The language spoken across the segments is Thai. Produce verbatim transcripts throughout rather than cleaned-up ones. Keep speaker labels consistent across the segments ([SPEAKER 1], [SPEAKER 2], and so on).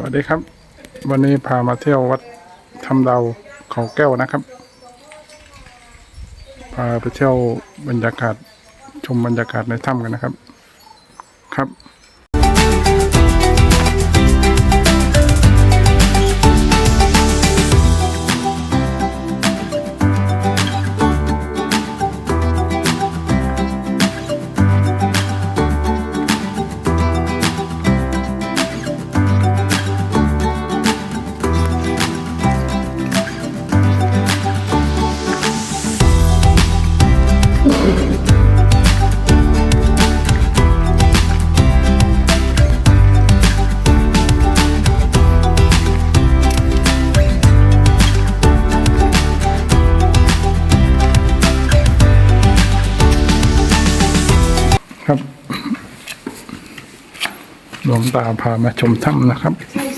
[SPEAKER 1] วัสดีครับวันนี้พามาเที่ยววัดถ้ำดาวเขาแก้วนะครับพาไปเที่ยวบรรยากาศชมบรรยากาศในถ้ำกันนะครับครับครับหลวงตาพามาชมถ้ำนะครับ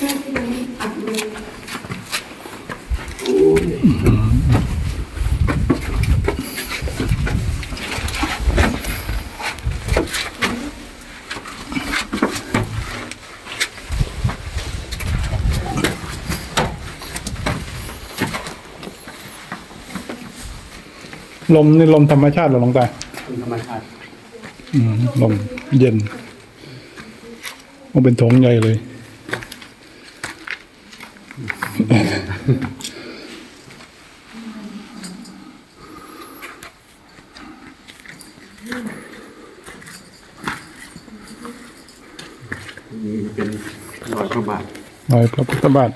[SPEAKER 1] ลมนี่ลมธรรมชาติหรือหลวงตา
[SPEAKER 2] ลมธรรมชาติ
[SPEAKER 1] อืมลมเย็นมันเป็นโถงใหญ่เลย
[SPEAKER 2] นี่เป็นรอยพระบาท
[SPEAKER 1] รอยพระพุทธบาท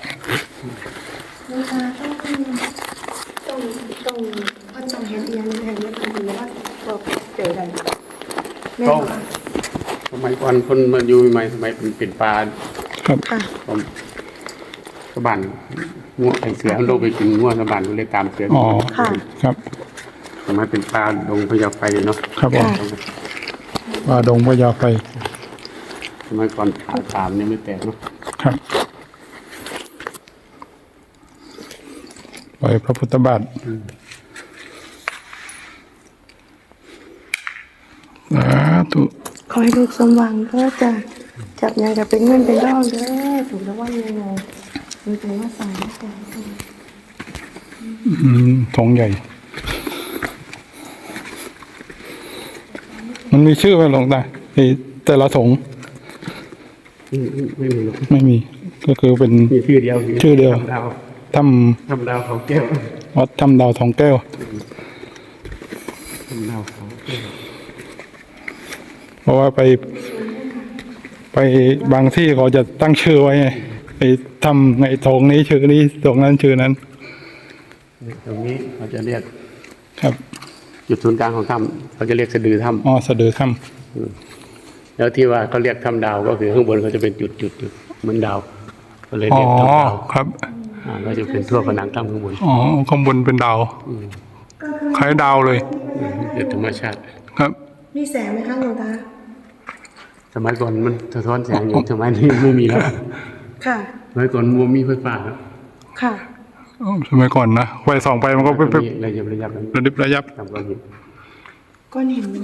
[SPEAKER 3] ต้องต้องว่าจงเห็นเอียงเห็นเรื่องนี้ว่าเราเจอกัน
[SPEAKER 2] ก็สมัยก่อนคนมาอยู่ใหม่สมัยเป็นเป็นปลา
[SPEAKER 1] ครับ
[SPEAKER 2] ผมสะบันงัวไอเสือโลกไปกินงัวสะบันเลยตามเสือ
[SPEAKER 1] อ๋อครับ
[SPEAKER 2] สมัยเป็นปลาดงพญาไฟเนาะ
[SPEAKER 1] ครับผมปลาดงพญาไฟ
[SPEAKER 2] สมัยก่อนผาตามนี่ไม่แตกเนาะ
[SPEAKER 1] ครับรอยพระพุทธบาทสาธุ
[SPEAKER 3] ขอให้ลูกสมหวังก็จะจับยังกับเป็นเงินเป็นทองเด้อถูกแล้วว่ายังไงมีใจว่าสายแต่
[SPEAKER 1] อืมทองใหญ่มันมีชื่อไหมหลวงตาแต่ละถง
[SPEAKER 2] ไม่มีหรอก
[SPEAKER 1] ไม่มีก็คือเป็น
[SPEAKER 2] ชื่อเดียว
[SPEAKER 1] ชื่อเดียวถ้
[SPEAKER 2] ำถ้ำดาวเขาแก้ว
[SPEAKER 1] วัดถ้ำดาวทองแก้ว
[SPEAKER 2] ถ้ำดาวเขาแก้ว
[SPEAKER 1] เพราะว่าไปไปบางที่เขาจะตั้งชื่อไว้ไงไปทำในทองนี้ชื่อนี้ตรงนั้นชื่อนั้น
[SPEAKER 2] ตรงนี้เขาจะเรียก
[SPEAKER 1] ครับ
[SPEAKER 2] จุดศูนย์กลางของถ้ำเขาจะเรียกสะดือถ้ำ
[SPEAKER 1] อ๋อสะดือถ้
[SPEAKER 2] ำแล้วที่ว่าเขาเรียกถ้ำดาวก็คือข้างบนเขาจะเป็นจุดจุดจุดเหมือนดาวก็เลยเรียกถ้ำดาว
[SPEAKER 1] ครับ
[SPEAKER 2] อ่าก็จะเป็นทั่วผนังถ้ำข้างบน
[SPEAKER 1] อ๋อข้างบนเป็นดาวคล้ายดาวเลย
[SPEAKER 2] เป็นธรรมชาติ
[SPEAKER 1] ครับ
[SPEAKER 3] มีแสงไหมคะหลวงตา
[SPEAKER 2] สมัยก่อนมันสะท้อนแสงอยู่สมัยนี้ไม่มีแล้ว
[SPEAKER 3] ค่ะ
[SPEAKER 2] สมัยก่อนมัวมีไฟฟ้าครับ
[SPEAKER 3] ค่ะ
[SPEAKER 1] สมัยก่อนนะไฟส่องไปมันก็เป็น
[SPEAKER 2] ระยับระยับ
[SPEAKER 1] ระดิบระยับ
[SPEAKER 2] ก้อนหิน
[SPEAKER 3] ก้อนหิน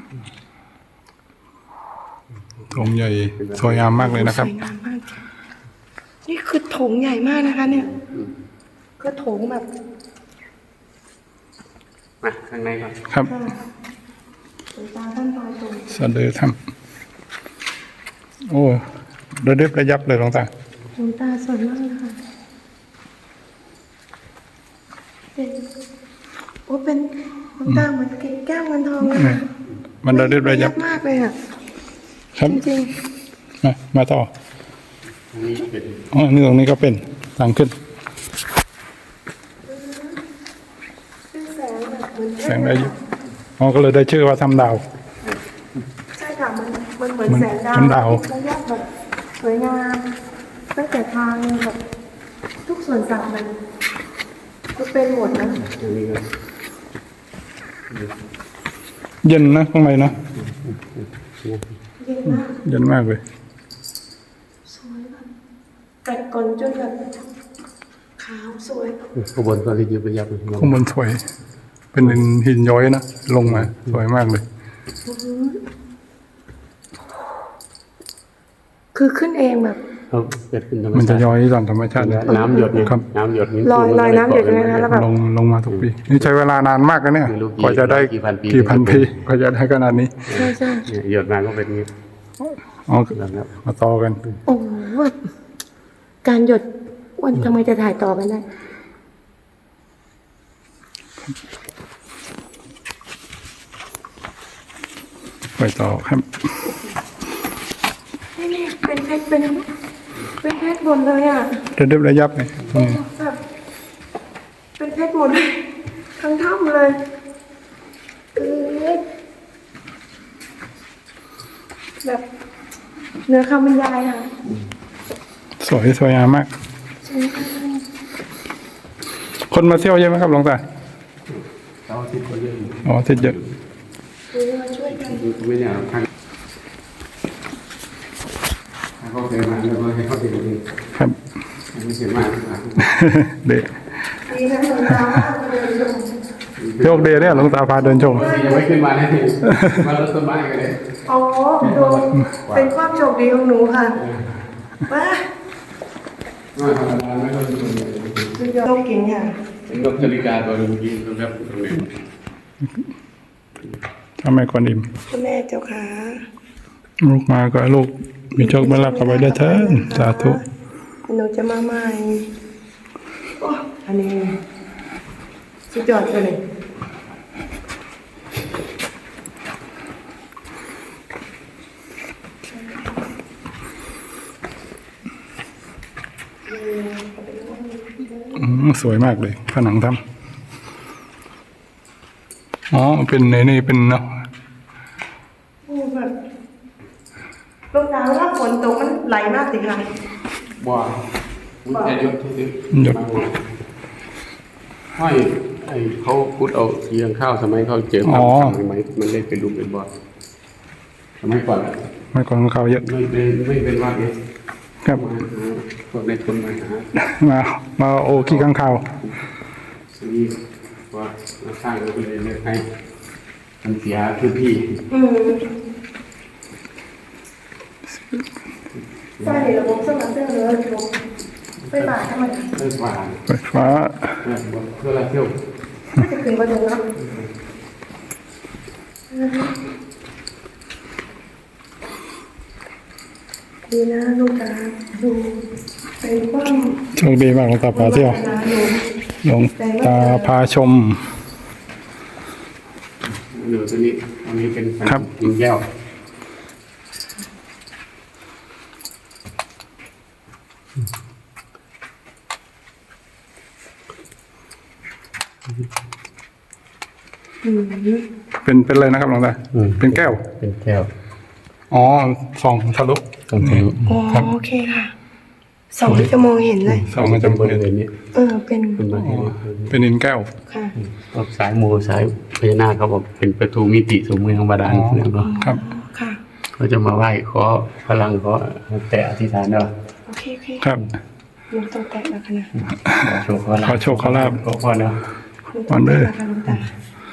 [SPEAKER 1] โถงใหญ่สวยงามมากเลยนะครับ
[SPEAKER 3] สวยงามมากนี่คือโถงใหญ่มากนะคะเนี่ยก็โถงแบบ
[SPEAKER 2] มาข้างในก่อน
[SPEAKER 1] ครับ
[SPEAKER 3] ตาท่านตาตรง
[SPEAKER 1] สะดือถ้ำโอ้ระดิบระยับเลยหลวงตา
[SPEAKER 3] หลวงตาสวยมากเลยค่ะเป็นโอ้เป็นหลวงตาเหมือนแก้วเงินทองเลย
[SPEAKER 1] มันระดิบระยับ
[SPEAKER 3] มากเลยอ่ะ
[SPEAKER 1] ครับ
[SPEAKER 3] จริง
[SPEAKER 1] มามาต่อ
[SPEAKER 2] นี่เป็น
[SPEAKER 1] อ๋อนี่ตรงนี้ก็เป็นทางขึ้นแสงระยิบอ๋อก็เลยได้ชื่อว่าถ้ำดาว
[SPEAKER 3] ใช่ค่ะมันมันเหมือนแสงดาวระยับแบบสวยงามตั้งแต่ทางแบบทุกส่วนสัตว์มันก็เป็นหมดนะ
[SPEAKER 1] เย็นนะข้างในนะ
[SPEAKER 3] เย็นมาก
[SPEAKER 1] เย็นมากเลย
[SPEAKER 3] สวยแบบกัดก่อนจนแบบขาวสวย
[SPEAKER 2] ข้างบนก็ระยิบระยับ
[SPEAKER 1] ข้างบนสวยเป็นหินย้อยนะลงมาสวยมากเลย
[SPEAKER 3] คือขึ้นเองแบบ
[SPEAKER 2] เขาเกิดขึ้นธรรม
[SPEAKER 1] มัน
[SPEAKER 2] ชา
[SPEAKER 1] จะ
[SPEAKER 2] ติ
[SPEAKER 1] ย้อยตามธรรมชาติเลย
[SPEAKER 2] น้ำหยดเนี่ย
[SPEAKER 1] ครับ
[SPEAKER 2] น้ำหยดนี่
[SPEAKER 3] ลอยลอยน้ำหยดใช่ไหมคะแล้วแบบ
[SPEAKER 1] ลงลงมาทุกปีนี่ใช้เวลานานมากนะเนี่ย
[SPEAKER 2] ไม่รู้กี่
[SPEAKER 1] กว่าจะได้
[SPEAKER 2] กี่พันปี
[SPEAKER 1] กี่พันปีกว่าจะได้ขนาดนี้
[SPEAKER 3] ใช่ใช่
[SPEAKER 2] เนี่ยหยดมาก็เป็นอย่างนี้
[SPEAKER 1] อ๋อ
[SPEAKER 2] แล้วครับ
[SPEAKER 1] มาต่อกัน
[SPEAKER 3] โอ้โหแบบการหยดวันทำไมจะถ่ายต่อกันได้
[SPEAKER 1] ไปต่อครับ
[SPEAKER 3] นี่นี่เป็นเพชรเป็นเป็นเพชรหมดเลยอ่ะ
[SPEAKER 1] ระดับระยับเลยนี่
[SPEAKER 3] แบบเป็นเพชรหมดเลยทั้งถ้ำเลยเออแบบเนื้อคำบรรยายค่ะ
[SPEAKER 1] สวยสวยงามมาก คนมาเที่ยวเยอะไหมครับหลวงตา
[SPEAKER 2] เสาร์อาทิตย์ก็เยอะอยู่
[SPEAKER 1] อ๋อทิศเยอะ
[SPEAKER 3] คือมาช่วยกัน
[SPEAKER 2] ไม่เนี่ยทางทางเขาเคยมาแล้วก็ให้เขาติดเอง
[SPEAKER 1] ครับ
[SPEAKER 2] ไม่เคยมานะครับ
[SPEAKER 1] เดะ
[SPEAKER 3] ดีนะหลวงตาเลยลง
[SPEAKER 1] โชคดีเนี่ยหลวงตาพาเดินชม
[SPEAKER 2] ยังไม่ขึ้นมาเลยมารถต้นไม้กันเลย
[SPEAKER 3] อ๋อโดนเป็นความโชคดีของหนูค่ะว้า
[SPEAKER 2] มาธรรมดาไม่ต้องดูเลย
[SPEAKER 3] สุดยอดเก่งค่ะ
[SPEAKER 2] เป็นนกจริกาตัวหนึงกินตรงนั้นตรงนี้
[SPEAKER 1] ถ้าไม่คนอิ่ม
[SPEAKER 3] คุณแม่เจ้าขา
[SPEAKER 1] ลูกมาก็ลูกมีโชคมีลาภกับไปได้เถิดสาธุ
[SPEAKER 3] หนูจะมาใหม่โอ้อันนี้สุดยอดไปเลย
[SPEAKER 1] อืมสวยมากเลยผนังถ้ำอ๋อเป็นในนี่เป็นเนาะ
[SPEAKER 3] โอ้แบบลงน้ำแล้วฝนตกมันไหลมากสิค่ะ
[SPEAKER 2] บ่าวิทยศที่ซื้อ
[SPEAKER 1] หยด
[SPEAKER 2] ห้อยไอ้เขาพุดเอาเรียงข้าวสมัยเขาเจอ
[SPEAKER 1] อ๋
[SPEAKER 2] ข้า
[SPEAKER 1] อ
[SPEAKER 2] วสมัยมันได้เป็นรูปเป็นบ่อสมัยก่อนอะ
[SPEAKER 1] ไม่ก่อนของเขาเยอะ
[SPEAKER 2] ไม่เป็นไม่เป็นว่าเอ๊ะ
[SPEAKER 1] ครับ
[SPEAKER 2] มาหาพวกในทุนมาหา
[SPEAKER 1] มามาโอขี้ข้างข่าว
[SPEAKER 2] ซื้อว่ามาสร้างก็เลยเลือกให้มันเสียพื้นที่
[SPEAKER 3] อืมใช่ระบบสมัครเสื้อเลยระบบไฟฟ้าทำไม
[SPEAKER 2] เลิกว่า
[SPEAKER 1] ไฟฟ้า
[SPEAKER 2] เลิกว่าเพื่อละเที่ยว
[SPEAKER 3] ไม่จะขึ้นประตูเนาะดีนะลูกตาดูเป็นความ
[SPEAKER 1] โชคดีมากหลวงตาพาเที่ยว
[SPEAKER 3] ดู
[SPEAKER 1] หลวงตาพาชม
[SPEAKER 2] เหลือตัวนี้อันนี้เป็น
[SPEAKER 1] ครับ
[SPEAKER 2] หินแก้ว
[SPEAKER 3] อืม
[SPEAKER 1] เป็นเป็นอะไรนะครับหลวงตาเป็นแก้ว
[SPEAKER 2] เป็นแก้ว
[SPEAKER 1] อ๋อส่องทะลุ
[SPEAKER 2] ตรงทะลุ
[SPEAKER 3] อ๋อโอเคค่ะสองจะมองเห็นเลย
[SPEAKER 1] ส่องมันจะ
[SPEAKER 2] บ
[SPEAKER 1] เปิด
[SPEAKER 2] ริเวณนี้
[SPEAKER 3] เออเป็น
[SPEAKER 2] เป็นบริเวณนี้
[SPEAKER 1] เป็นหินแก้ว
[SPEAKER 3] ค่ะ
[SPEAKER 2] พวกสายมูสายพญานาคเขาบอกเป็นประตูมิติสู่เมืองบาดาล
[SPEAKER 1] อ๋อ
[SPEAKER 2] แล้วก็
[SPEAKER 1] ครับ
[SPEAKER 3] ค่ะ
[SPEAKER 2] เขาจะมาไหว้ขอพลังขอแต่อธิษฐานเนาะ
[SPEAKER 3] โอเคโอเค
[SPEAKER 1] ครับ
[SPEAKER 3] หนูต้องแตะแล้วค่ะนะ
[SPEAKER 2] ขอโชคขอลาภ
[SPEAKER 1] ขอโชคขอลาภ
[SPEAKER 2] ขอพรเนาะ
[SPEAKER 3] หนูต้องแตะแล้วค่ะลูกตา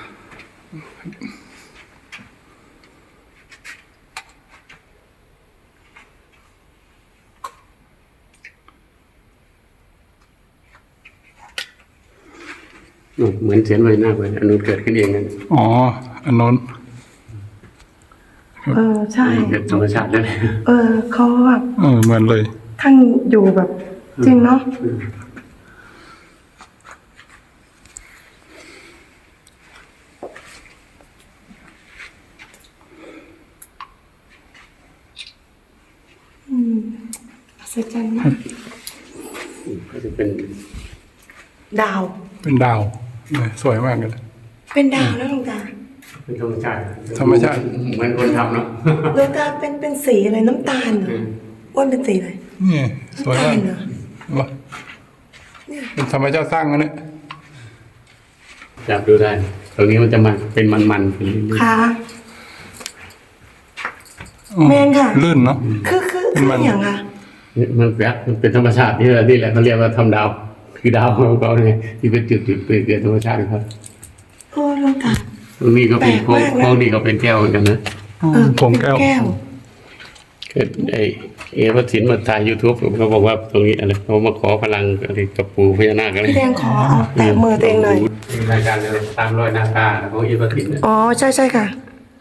[SPEAKER 2] อืมเหมือนเสียนพญานาคเลยอันนู้นเกิดขึ้นเองนั่น
[SPEAKER 1] อ๋ออันโน้น
[SPEAKER 3] เออใช่
[SPEAKER 2] เกิดธรรมชาติเลย
[SPEAKER 3] เออเขาแบบ
[SPEAKER 1] เออเหมือนเลย
[SPEAKER 3] ท่านอยู่แบบจริงเนาะอืมอัศจรรย์มาก
[SPEAKER 2] ก็จะเป็น
[SPEAKER 3] ดาว
[SPEAKER 1] เป็นดาวเลยสวยมากเลย
[SPEAKER 3] เป็นดาวแล้วลุงตา
[SPEAKER 2] เป็นธรรมชาติ
[SPEAKER 1] ธรรมชาติ
[SPEAKER 2] เหมือนคนทำเนาะ
[SPEAKER 3] ลุงตาเป็นเป็นสีอะไรน้ำตาลเหรออ้วนเป็นสีอะไร
[SPEAKER 1] นี่สวย
[SPEAKER 3] น้ำตาม
[SPEAKER 1] าก
[SPEAKER 3] ลเหรอ
[SPEAKER 1] วะเป็นธรรมชาติสร้างนะเนี่ย
[SPEAKER 2] จับดูได้ ตรงนี้มันจะมันเป็นมันๆเป็นลื่น
[SPEAKER 3] ค่ะ
[SPEAKER 1] อ๋อ
[SPEAKER 3] แมนค่ะ
[SPEAKER 1] ลื่นเนาะ
[SPEAKER 3] คือคือ
[SPEAKER 1] เป็น
[SPEAKER 3] คือ
[SPEAKER 1] มัน
[SPEAKER 3] อย่างค่ะ
[SPEAKER 2] ๆนี่มันแปลกมันเป็นธรรมชาติที่นี่แหละเขาเรียกว่าทำดาว คือดาวของเขาเนี่ยที่เป็นจุดๆเปเกิดธรรมชาติครับ
[SPEAKER 3] โอ้ลุงตา
[SPEAKER 2] ตรงนี้ก็เป็นพวก
[SPEAKER 3] แปลกมากนะ
[SPEAKER 2] พวกนี้ก็เป็นแก้วเหมือนกันนะ
[SPEAKER 3] เออ
[SPEAKER 1] ผงแก้ว
[SPEAKER 3] แก้ว
[SPEAKER 2] เกิดไอ้ผีเอพระสินมาถ่าย YouTube เขาบอกว่าตรงนี้อะไรเขามาขอพลังอะไรกับปู่พญานาคอะไร
[SPEAKER 3] พี่แดงขอเอาแตะมือตัวเองหน่อย
[SPEAKER 2] รายการอะไรตามรอยนาคาของเอพระสิน
[SPEAKER 3] อ๋อใช่ใช่ค่ะ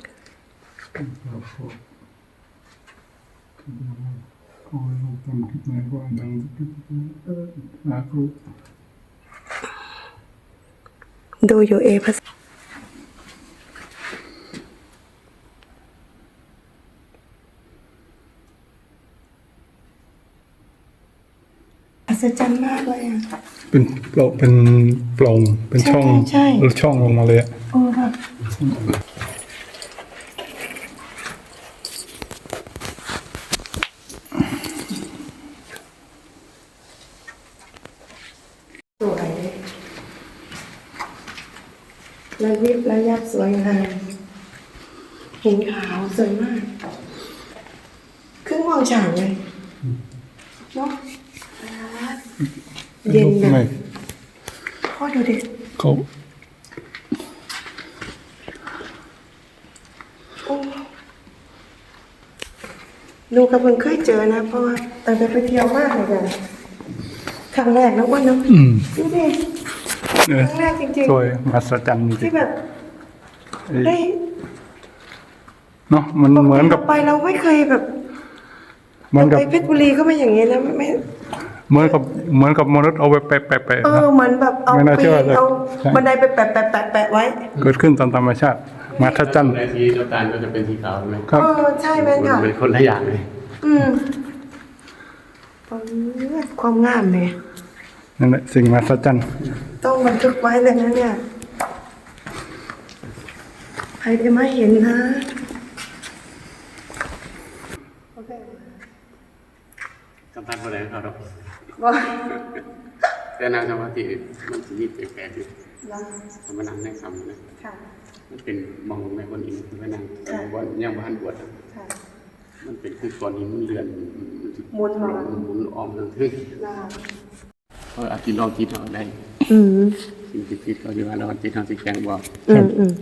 [SPEAKER 1] ขอให้ลูกทำคิดหมายความดังสาธุ
[SPEAKER 3] ดูอยู่เอพัสอัศจรรย์มากเลยอ่ะ
[SPEAKER 1] เป็นโปร่งเป็นโปร่งเป็นช่อง
[SPEAKER 3] ใช่ใช่
[SPEAKER 1] ช่องลงมาเลยอะ
[SPEAKER 3] โอ้แบบสวยระยิบระยับสวยงามเห็นขาวสวยมากครึ่งมองฉางเลยเนาะเย็นแบ
[SPEAKER 1] ไม่
[SPEAKER 3] บพ่อดูดิ
[SPEAKER 1] เขา
[SPEAKER 3] โอ้ดูกระเพิ่งเคยเจอนะ เพราะว่าตั้งแต่ไปเที่ยวมากเลยกันครั้งแรกนะอ้วนเนาะ
[SPEAKER 1] อืม
[SPEAKER 3] ดูดิ
[SPEAKER 1] เอ
[SPEAKER 3] ค
[SPEAKER 1] อ
[SPEAKER 3] รั้งแรกจริง
[SPEAKER 1] สวยมหัศจรรย์จ
[SPEAKER 3] ๆ
[SPEAKER 1] ริ
[SPEAKER 3] ที่
[SPEAKER 1] ง
[SPEAKER 3] แบบได้
[SPEAKER 1] เนาะมันเหมือนกับ
[SPEAKER 3] ไปเราไม่เคยแบบ
[SPEAKER 1] เหมือนกับ
[SPEAKER 3] ไปเพชรบุรีก็ไม่อย่างนี้นะไม่ไม่
[SPEAKER 1] เหมือนกับเหมือนกับมนุษย์เอาไปแปะแปะแปะ
[SPEAKER 3] เออ
[SPEAKER 1] เนาะ
[SPEAKER 3] เหมือนแบบเอา
[SPEAKER 1] ไม่น่า
[SPEAKER 3] ปี
[SPEAKER 1] เชื่อเลย
[SPEAKER 3] เอา
[SPEAKER 1] ใช่
[SPEAKER 3] บันไดไปแปะแปะแปะแปะไว้
[SPEAKER 1] เกิดขึ้นตามธรรมชาติมหัศจรรย์
[SPEAKER 2] ในสีน้ำตาลก็จะเป็นสีขาวใช่ไหม
[SPEAKER 1] ครับ
[SPEAKER 3] เออใช่แม่นค่ะ
[SPEAKER 2] มันเป็นคนละอย่างเลย
[SPEAKER 3] อืมเออความงามเนี่ย
[SPEAKER 1] นั่นแหละสิ่งมหัศจรรย์
[SPEAKER 3] ต้องบันทึกไว้เลยนะเนี่ยใครได้มาเห็นนะโอเค
[SPEAKER 2] สัมพันธ์อะไรเขาหรอก
[SPEAKER 3] ว่า
[SPEAKER 2] แต่นางสมาธิมันจะมีแปลกๆอยู่
[SPEAKER 3] ลา
[SPEAKER 2] ธรรมนังได้คำนะ
[SPEAKER 3] ค่ะ
[SPEAKER 2] มันเป็นมองแม่คนอินคือพระนางว่ายังบ้านบวช
[SPEAKER 3] ค่ะ
[SPEAKER 2] มันเป็นคือก้อนหินมันเลือน
[SPEAKER 3] หมุนมา
[SPEAKER 2] หมุนออมทั้งทึ่ง
[SPEAKER 3] ลา
[SPEAKER 2] เพราะอาจิตลองจิตเอาได้
[SPEAKER 3] อืม
[SPEAKER 2] สิ่งที่จิตเขาจะว่าเราจิตทางสิแกงบอก
[SPEAKER 3] อืมอืม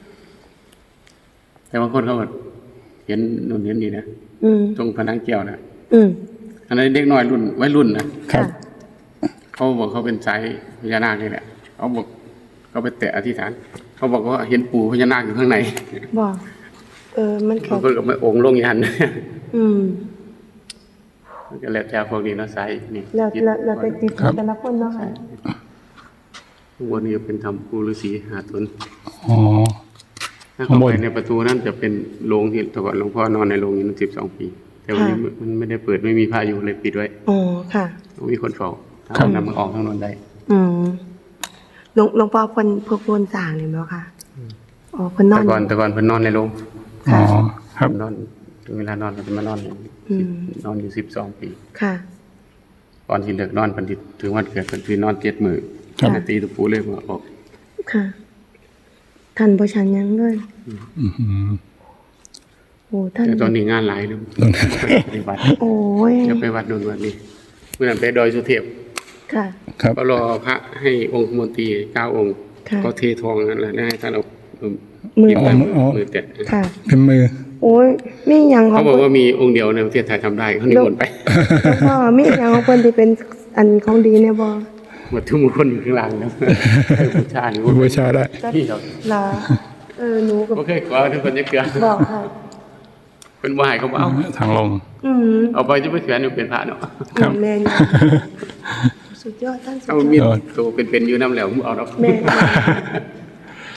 [SPEAKER 2] แต่บางคนเขาก็เห็นนู่นเห็นนี่นะ
[SPEAKER 3] อืม
[SPEAKER 2] ตรงผนังแก้วนะ
[SPEAKER 3] อืม
[SPEAKER 2] อันนั้นเด็กน้อยรุ่นวัยรุ่นนะครับ เขาบอกเขาเป็นสายพญานาคนี่แหละเขาบอกเขาไปแตะอธิษฐาน เขาบอกว่าเห็นปู่พญานาคอยู่ข้างใน
[SPEAKER 3] บอกเออมัน
[SPEAKER 2] เขา
[SPEAKER 3] เขา
[SPEAKER 2] ก็มาองค์ลงยัน
[SPEAKER 3] อืม
[SPEAKER 2] มันก็แล้วแต่พวกนี้เนาะสายนี่
[SPEAKER 3] แล้ว
[SPEAKER 2] จิต
[SPEAKER 3] แล้วแล้วแต่จิตของแต่ละคนเนาะค่ะ
[SPEAKER 2] ข้างบนนี้เป็นธรรมปู่ฤาษีหาตน
[SPEAKER 1] อ๋อ
[SPEAKER 2] ถ้า
[SPEAKER 1] ข้าง
[SPEAKER 2] เข้า
[SPEAKER 1] บน
[SPEAKER 2] ไปในประตูนั้นจะเป็นโรงที่แต่ก่อนหลวงพ่อนอนในโรงนี้มันสิบสองปี แต่วันนี้มันไม่ได้เปิดไม่มีพระอยู่เลยปิดไว้
[SPEAKER 3] อ๋อค่ะ
[SPEAKER 2] ต้องมีคนเฝ้าถ้า
[SPEAKER 1] ครับ
[SPEAKER 2] นำมันออกทางโนนได้
[SPEAKER 3] อืมหลวงหลวงพ่อเพิ่นพวกเพิ่นสร้างนี่แม่นบ่ค่ะอ๋อเพิ่นนอ
[SPEAKER 2] แต่
[SPEAKER 3] น
[SPEAKER 2] ก่อนแต่ก่อนเพิ่นนอนในโรง
[SPEAKER 1] อ๋อครับ
[SPEAKER 2] นอนถึงเวลานอนก็จะมานอนเนี่ย
[SPEAKER 3] อืม
[SPEAKER 2] นอนอยู่สิบสองปี
[SPEAKER 3] ค่ะ
[SPEAKER 2] ก่อนที่เลิกนอนเพิ่นสิถึงวันเกิดเพิ่นสินอนเจ็ดมื้อ
[SPEAKER 1] ครับ
[SPEAKER 2] ปกติตะปูเลยมาออก
[SPEAKER 3] ค่ะท่านบ่ชันหยังเลย
[SPEAKER 1] อือหือ
[SPEAKER 3] โอ้ท่าน
[SPEAKER 2] แต่ตอนนี้งานหลายเลยไปวัด
[SPEAKER 3] โอ้ย
[SPEAKER 2] จะไปวัดโดนวัดนี้เมื่อนั้นไปดอยสุเทพ
[SPEAKER 3] ค่ะ
[SPEAKER 1] ครับ
[SPEAKER 2] ก็รอพระให้องค์มนตรีเก้าองค์
[SPEAKER 3] ค่ะ
[SPEAKER 2] ก็เททองนั่นแหละแล้วให้ท่านเอา
[SPEAKER 3] มือ
[SPEAKER 2] หยิบ
[SPEAKER 1] อ๋ออ๋อ
[SPEAKER 2] มือแตะ
[SPEAKER 3] ค่ะ
[SPEAKER 1] เป็นมือ
[SPEAKER 3] โอ้ยมีหยังขอ
[SPEAKER 2] เขา
[SPEAKER 3] ง
[SPEAKER 2] บอก
[SPEAKER 3] เพิ่น
[SPEAKER 2] ว่ามีองค์เดียวในประเทศไทยทำได้เขานิมนต์ไป
[SPEAKER 3] หลวงพ่อมีหยังของเพิ่นที่เป็นอันของดีแน่บ่
[SPEAKER 2] หมดทุกมงคลอยู่ข้างหลังนะให้บูชาหรือว่า
[SPEAKER 1] บูชาได้
[SPEAKER 2] พี่เรา
[SPEAKER 3] ลาเออหนูก็
[SPEAKER 2] โอเคขอทุกคนจะเกลือ
[SPEAKER 3] บอกค่ะ
[SPEAKER 2] เป็นว่าให้เขาเอา
[SPEAKER 1] ทางลง
[SPEAKER 3] อืม
[SPEAKER 2] เอาไปจะไปแขวนอยู่เป็นพระเนาะ
[SPEAKER 1] ครับ
[SPEAKER 3] แม่นสุดยอดท่านสุด
[SPEAKER 2] เอา
[SPEAKER 3] ยอด
[SPEAKER 2] มีดตัวเป็นๆอยู่น้ำแล้วมึงเอาดอก
[SPEAKER 3] แม่น